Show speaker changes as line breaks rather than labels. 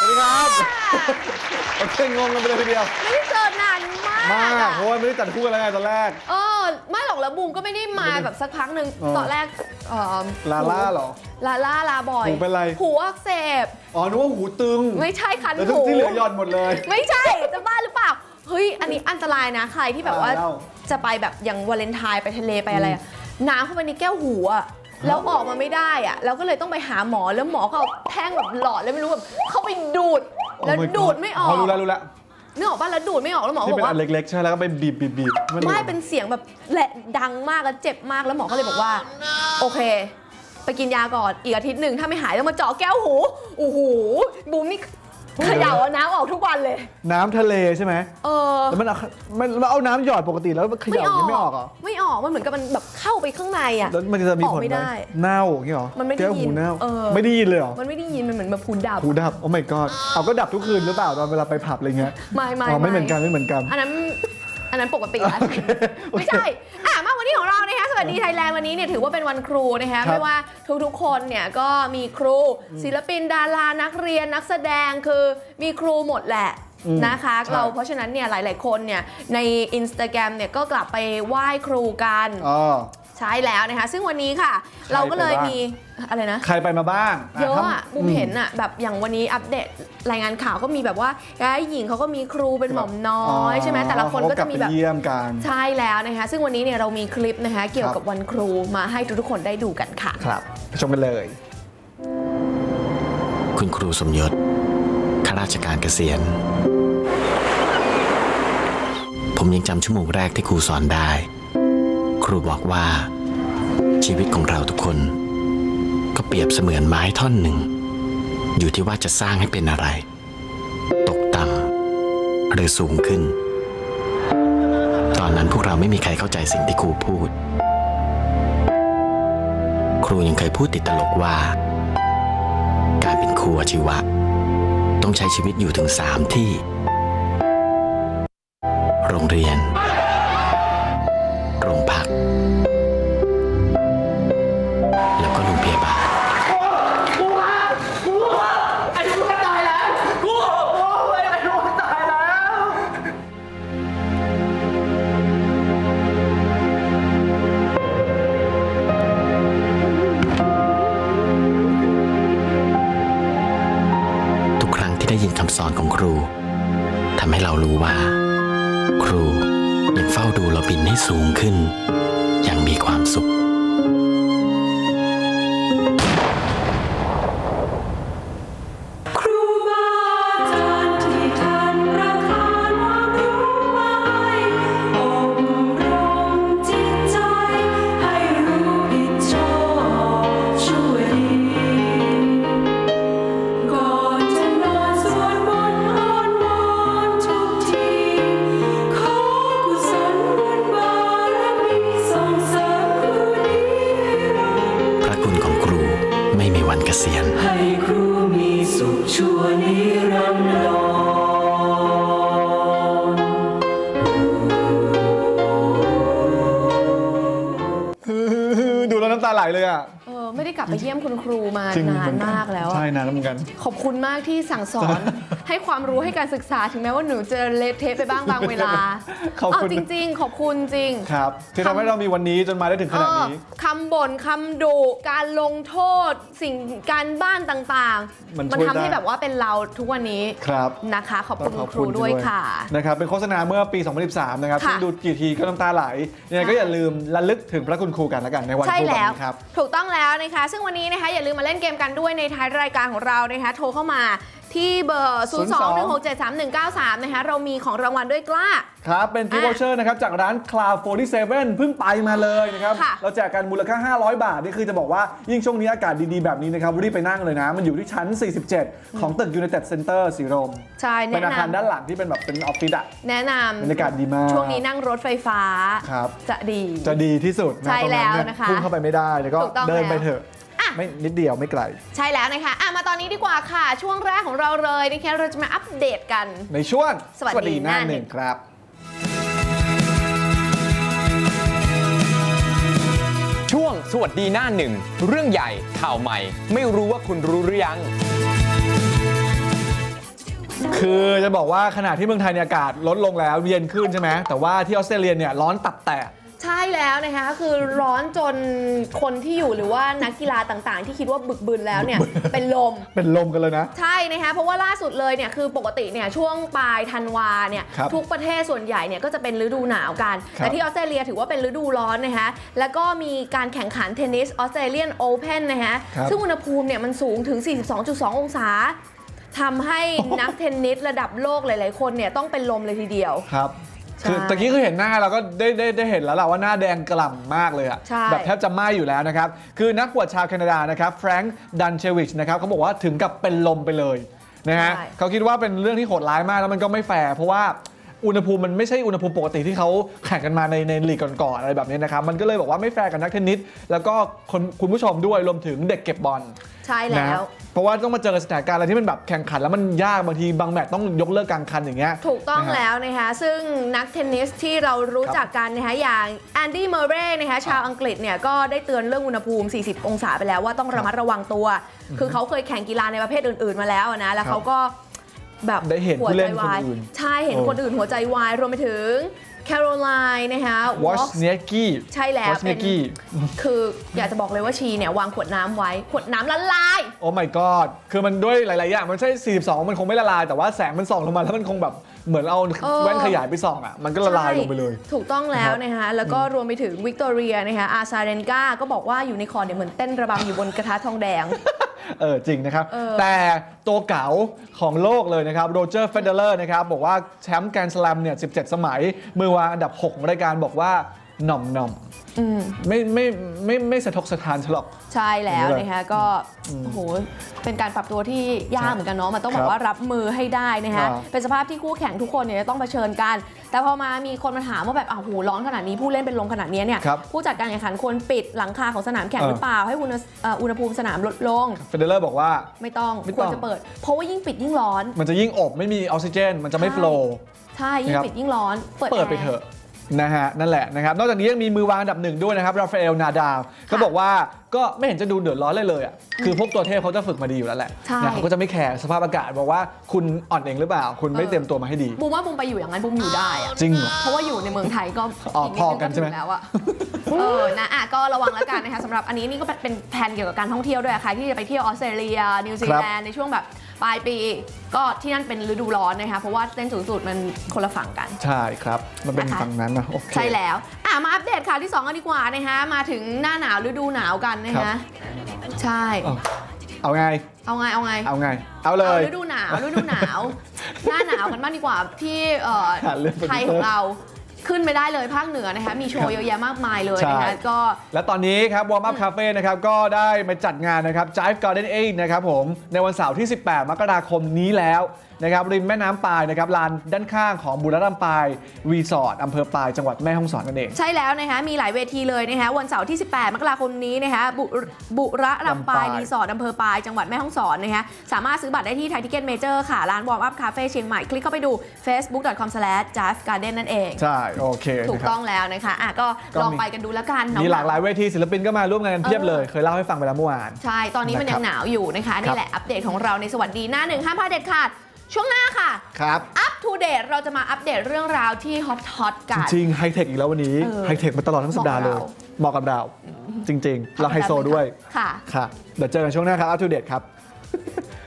ดีครับโอเคงงกันไปเลยทีเดียว
ไม่ได้เจอนานมาก
เพราะว่าไม่ได้จัดคู่กันแล้วไงตอนแรก
ไม่หรอกแล้วบูมก็ไม่ได้มาแบบสักพักหนึ่งตอนแรก
ลาล่าเหรอ
ลาบ่อย
หูเป็นไร
หูอักเสบ
นึกว่าหูตึง
ไม่ใช่คัน
หูที่เหลือหย่อนหมดเลย
ไม่ใช่จะบ้าหรือเปล่าเฮ้ยอันนี้อันตรายนะใครที่แบบว่าจะไปแบบอย่างวาเลนไทน์ไปทะเลไปอะไรน้ำเข้าไปในแก้วหูอะแล้วออกมาไม่ได้อะแล้วก็เลยต้องไปหาหมอแล้วหมอเขาเอาแท่งแบบหลอดแล้วไม่รู้แบบเข้าไปดูดแล้วดูดไม่ออก
รู้แล้ว
นึกออกป่ะแล้วดูดไม่ออกแล้วหมอบอกว่า
ที่เป็นอันเล็กๆใช่แล้วก็ไปบีบ
ไม่เป็นเสียงแบบแหละดังมากแล้วเจ็บมากแล้วหมอก็เลยบอกว่าโอเคไปกินยาก่อนอีกอาทิตย์หนึ่งถ้าไม่หายต้องมาเจาะแก้วหูโอ้โหบูมนี่เขย่าน้ำออกทุกวันเลย
น้ำทะเลใช่ไหมแล้วมันเอาน้ำหยอดปกติแล้วเขย่ายังไม่ออกเหรอ
ไม่ออกมันเหมือนกับมันแบบเข้าไปข้างในอ่ะ
แล้วมันจะมีผลไหมเน่าอย่างนี้หรอ
มันไม่ได้ยิน
ไม่ได้ยินเลยหรอ
มันไม่ได้ยินมันเหมือนแบบหูดับ
โอ้ my god เอาก็ดับทุกคืนหรือเปล่าตอนเวลาไปผับอะไรเงี้ยไม่เหมือนกัน
อันนั้นปกติแล้วไม่ใช่มาวันนี้ของเรานะคะสวัสดีไทยแลนด์วันนี้เนี่ยถือว่าเป็นวันครูนะคะไม่ว่าทุกๆคนเนี่ยก็มีครูศิลปินดารานักเรียนนักแสดงคือมีครูหมดแหละนะคะเพราะฉะนั้นเนี่ยหลายๆคนเนี่ยใน Instagram เนี่ยก็กลับไปไหว้ครูกันใช่แล้วนะคะซึ่งวันนี้ค่ะเราก็เลยมีอะไรนะ
ใครไปมาบ้าง
เยอะอ่ะบุมเห็นอ่ะแบบอย่างวันนี้อัปเดตรายงานข่าวก็มีแบบว่าหญิงเขาก็มีครูเป็นหม่อมน้อยใช่ไหมแต่ละคนก็จะมีแบบ
เยี่ยมกัน
ใช่แล้วนะคะซึ่งวันนี้เนี่ยเรามีคลิปนะคะเกี่ยวกับวันครูมาให้ทุกคนได้ดูกันค่ะ
ครับไปชมกันเลย
คุณครูสมยศข้าราชการเกษียณผมยังจำชั่วโมงแรกที่ครูสอนได้ครูบอกว่าชีวิตของเราทุกคนก็เปรียบเสมือนไม้ท่อนหนึ่งอยู่ที่ว่าจะสร้างให้เป็นอะไรตกต่ำหรือสูงขึ้นตอนนั้นพวกเราไม่มีใครเข้าใจสิ่งที่ครูพูดครูยังเคยพูดติดตลกว่าการเป็นครูอาชีวะต้องใช้ชีวิตอยู่ถึง3 ที่โรงเรียนโรงพักแล้วก็โรงพยาบาลทุกครั้งที่ได้ยินคำสอนของครูทำให้เรารู้ว่าครูยังเฝ้าดูเราบินให้สูงขึ้นอย่างมีความสุขวันเกษียณ
ให้ครูมีสุขชั่วนิรันดร
ดูแล้วน้ำตาไหลเลยอ่ะ
ไม่ได้กลับไปเยี่ยมคุณครูมานานมากแล้ว
ใช่นานแล้วเหมือนกัน
ขอบคุณมากที่สั่งสอนให้ความรู้ให้การศึกษาถึงแม้ว่าหนูจะเละเทะไปบ้างบางเวลาจริงๆขอบคุณจริง
ครับที่ทำให้เรามีวันนี้จนมาได้ถึงขนาดนี้
คำบ่นคำดุการลงโทษสิ่งการบ้านต่างๆมันทำให้แบบว่าเป็นเราทุกวันนี้นะคะขอบคุณครูด้วยค่ะ
นะครับเป็นโฆษณาเมื่อปี 2013 นะครับซึ่งดูกี่ทีก็น้ำตาไหลยังไงก็อย่าลืมระลึกถึงพระคุณครูกันแล้วกันในวันครูแบบนี้ครับ
ถูกต้องแล้วนะคะซึ่งวันนี้นะคะอย่าลืมมาเล่นเกมกันด้วยในท้ายรายการของเรานะคะโทรเข้ามาที่เบอร์ 021673193 นะคะเรามีของรางวัลด้วยกล้า
ครับเป็นกิฟต์วอเชอร์นะครับจากร้าน Cloud 47เพิ่งไปมาเลยนะครับเราแจกกันมูลค่า500 บาทนี่คือจะบอกว่ายิ่งช่วงนี้อากาศดีๆแบบนี้นะครับรีบไปนั่งเลยนะมันอยู่ที่ชั้น 47 ของตึก United Center สีลม
ใช่
เป็นอาคารด้านหลังที่เป็นแบบเป็นออฟฟิศอะ
แนะนำ
บรรยากาศดีมาก
ช่วงนี้นั่งรถไฟฟ้าจะดี
ที่สุด
ใช่แล้วนะคะ
พุ่งเข้าไปไม่ได้แล้วก็เดินไปเถอะไม่นิดเดียวไม่ไกล
ใช่แล้วนะคะมาตอนนี้ดีกว่าค่ะช่วงแรกของเราเลยนะคะเราจะมาอัปเดตกัน
ในช่วงสวัสดีหน้าหนึ่งครับ
ช่วงสวัสดีหน้าหนึ่งเรื่องใหญ่ข่าวใหม่ไม่รู้ว่าคุณรู้หรือยัง
คือจะบอกว่าขณะที่เมืองไทยเนี่ยอากาศลดลงแล้วเย็นขึ้นใช่ไหมแต่ว่าที่ออสเตรเลียเนี่ยร้อนตับแตก
ใช่แล้วนะคะคือร้อนจนคนที่อยู่หรือว่านักกีฬาต่างๆ ที่คิดว่าบึกบึนแล้วเนี่ย เป็นลม
กันเลยนะ
ใช่นะคะเพราะว่าล่าสุดเลยเนี่ยคือปกติเนี่ยช่วงปลายธันวาเนี่ยทุกประเทศส่วนใหญ่เนี่ยก็จะเป็นฤดูหนาวกันแต่ที่ออสเตรเลียถือว่าเป็นฤดูร้อนนะคะแล้วก็มีการแข่งขันเทนนิสออสเตรเลียนโอเพ่นนะคะซึ่งอุณหภูมิเนี่ยมันสูงถึง 42.2 องศาทำให้นักเทนนิสระดับโลกหลายๆคนเนี่ยต้องเป็นลมเลยทีเดียว
ครับคือตะกี้คือเห็นหน้าเราก็ได้เห็นแล้วแหละว่าหน้าแดงกล่ำมากเลยอะแบบแทบจะไหม้อยู่แล้วนะครับคือนักบวชชาวแคนาดานะครับแฟรงค์ดันเชวิชนะครับเขาบอกว่าถึงกับเป็นลมไปเลยนะฮะเขาคิดว่าเป็นเรื่องที่โหดร้ายมากแล้วมันก็ไม่แฟร์เพราะว่าอุณหภูมิมันไม่ใช่อุณหภูมิปกติที่เขาแข่งกันมาในลีกก่อนๆอะไรแบบนี้นะครับมันก็เลยบอกว่าไม่แฟร์กับนักเทนนิสแล้วก็คุณผู้ชมด้วยรวมถึงเด็กเก็บบอล
ใช่แล้ว
เพราะว่าต้องมาเจอสถานการณ์อะไรที่มันแบบแข่งขันแล้วมันยากบางทีบางแมตช์ต้องยกเลิกกลางคันอย่างเงี้ย
ถูกต้องแล้วนะคะซึ่งนักเทนนิสที่เรารู้จักกันนะคะอย่างแอนดี้เมอร์เรย์นะคะชาวอังกฤษเนี่ยก็ได้เตือนเรื่องอุณหภูมิ40องศาไปแล้วว่าต้องระมัดระวังตัวคือเขาเคยแข่งกีฬาในประเภทอื่นๆมาแล้วนะแล้วเขาก็แบบ
ได้เห็นผู้เล่นคนอื่น
ใช่เห็นคนอื่นหัวใจวายรวมไปถึงแคโรไลน์นะคะ
วอชเนียกี้
ใช่แล้วเป็นคืออยากจะบอกเลยว่าชีเนี่ยวางขวดน้ำไว้ขวดน้ำละลาย
โอ้ my god คือมันด้วยหลายๆอย่างมันใช่42มันคงไม่ละลายแต่ว่าแสงมันส่องลงมาแล้วมันคงแบบเหมือนเอาแว่นขยายไปส่องอ่ะมันก็ละลายลงไปเลย
ถูกต้องแล้วนะคะแล้วก็รวมไปถึงวิกตอเรียนะคะอาซาเรนกาก็บอกว่าอยู่ในคอร์ตเนี่ยเหมือนเต้นระบำอยู่บนกระทะทองแดง
จริงนะครับแต่ตัวเก๋าของโลกเลยนะครับโรเจอร์เฟเดเลอร์นะครับบอกว่าแชมป์แกรนด์สแลมเนี่ย17 สมัยมือวางอันดับ6ของรายการบอกว่าหน่อมไม่สะทกสะท้านฉลอก
ใช่แล้วนะคะก็โอ้โหเป็นการปรับตัวที่ยากเหมือนกันเนาะมันต้องแบบว่ารับมือให้ได้นะคะเป็นสภาพที่คู่แข่งทุกคนเนี่ยต้องเผชิญกันแต่พอมามีคนมาถามว่าแบบโอ้โหร้อนขนาดนี้ผู้เล่นเป็นลมขนาดนี้เนี่ยผู้จัดการแข่งขันควรปิดหลังคาของสนามแข่งหรือเปล่าให้อุณหภูมิสนามลดลง
เฟเดเลอร์บอกว่า
ไม่ต้องควรจะเปิดเพราะว่ายิ่งปิดยิ่งร้อน
มันจะยิ่งอบไม่มีออกซิเจนมันจะไม่โฟลว์
ใช่ยิ่งปิดยิ่งร้อน
เปิดไปเถอะนะฮะนั่นแหละนะครับนอกจากนี้ยังมีมือวางอันดับหนึ่งด้วยนะครับราฟาเอลนาดาลเขาบอกว่าก็ไม่เห็นจะดูเดือดร้อนเลยอ่ะคือพวกตัวเทพเขาจะฝึกมาดีอยู่แล้วแหละนะเขาก็จะไม่แคร์สภาพอากาศบอกว่าคุณอ่อนเองหรือเปล่าคุณไม่เตรียมตัวมาให้ดี
บูมว่าบูมไปอยู่อย่างนั้นบูมอยู่ได้อะ
จริง
เพราะว่าอยู่ในเมืองไทยก็
พอกันใช่ไหม
แล้วอะนะก็ระวังแล้วกันนะคะสำหรับอันนี้นี่ก็เป็นแผนเกี่ยวกับการท่องเที่ยวด้วยใครที่จะไปเที่ยวออสเตรเลียนิวซีแลนด์ในช่วงแบบปลายปีก็ที่นั่นเป็นฤดูร้อนนะคะเพราะว่าเส้นศูนย์สูตรมันคนละฝั่งกัน
ใช่ครับมันเป็นฝั่งนั้นนะโอเค
ใช่แล้วมาอัปเดตข่าวที่2กันดีกว่านะคะมาถึงหน้าหนาวฤดูหนาวกันนะคะใช่
เอาไง
เอา
เลย
ฤดูหนาวหน้าหนาวกันบ้างดีกว่าที่ไทยของเราขึ้นไม่ได้เลยภาคเหนือนะคะมีโชว์เยอะแยะมากมายเลยนะคะก็
และตอนนี้ครับ Warm Up Cafe นะครับก็ได้มาจัดงานนะครับ Jive Garden 8นะครับผมในวันเสาร์ที่18 มกราคมนี้แล้วนะครับริมแม่น้ำปายนะครับลานด้านข้างของบุรีรัมย์ปายรีสอร์ทอำเภอปายจังหวัดแม่ฮ่องสอนนั่นเอง
ใช่แล้วนะคะมีหลายเวทีเลยนะคะวันเสาร์ที่18 มกราคมนี้นะคะบุรีรัมย์ปายรีสอร์ทอำเภอปายจังหวัดแม่ฮ่องสอนนะคะสามารถซื้อบัตรได้ที่ไทยทิเก็ตเมเจอร์ค่ะร้าน Warm Up Cafe เชียงใหม่คลิกเข้าไปดู facebook.com/jivegarden นั่นเอง
ใช่โอเค
ถูกต้องแล้วนะคะก็ลองไปกันดูแล้วกัน
มีหลากหลายเวทีศิลปินก็มาร่วมงานกันเพียบเลยเคยเล่าให้ฟังไปแล้วเมื่อวาน
ใช่ตอนนี้มันยังหนาวอยู่นะคะนี่แหละอัปเดตของเราในสวัสดีหน้าหนึ่งห้ามพลาดเด็ดขาดช่วงหน้าค่ะ
ครับ
Up to date เราจะมาอัปเดตเรื่องราวที่ฮอตกัน
จริงไฮเทคอีกแล้ววันนี้ไฮเทคมาตลอดทั้งสัปดาห์เลยเหมาะกับเราจริงๆเราไฮโซด้วย
ค่ะ
เดี๋ยวเจอกันช่วงหน้าครับ Up to date ครับ